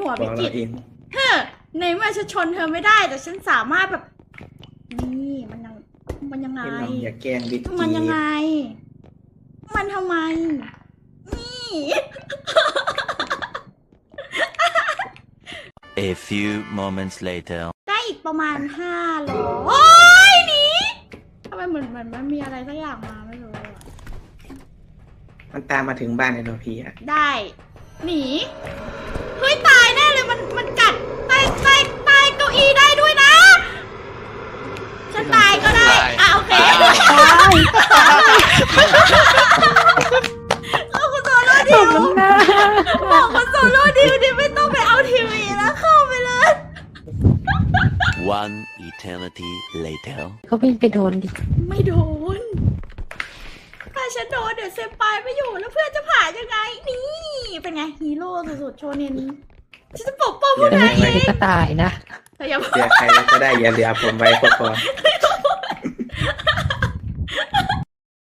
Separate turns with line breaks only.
หัว
บ
พิ
อก
กิ
เรา
ต
เอง
เฮ้อในเมื่อฉันชนเธอไม่ได้แต่ฉันสามารถแบบนี่มันยังไง
ให้เราอย่าแกล้งวิก
มัน
กี้
ยังไง มันทำไมนี่
A few moments later.
ได้อีกประมาณ500โอ้ยหนีทำไมเหมือนมันมีอะไรสักอย่างมาไม่รู้อะ
มันตามมาถึงบ้านไอ้โนพีอะ
ได้ หนี เฮ้ยตายแน่เลยมันกัดตายเก้าอี้ได้ด้วยนะ ฉันตายก็ได้อ่ะโอเคเอาคุณโซโล่ดิวบอกคุณโซโล่ดิวดิไม่ต้องไปเอาทีวีแล้วเข้าไปเลย
One eternity later.
เขาวิ่งไปโดนดิ
ไม่โดน ถ้าฉันโดนเดี๋ยวเซมปายไม่อยู่แล้วเพื่อนจะผ่านยังไง นี่ เป็นไงฮีโร่สุดๆโชเนนฉันจะปกป้องพวก
แต่
นาย
ไม่
เอ
ใช่
ง
ก็ตายนะ
แต่อย่า
เหลือใครเราก็ได้อย่าเหลือผมไว้ก็พอ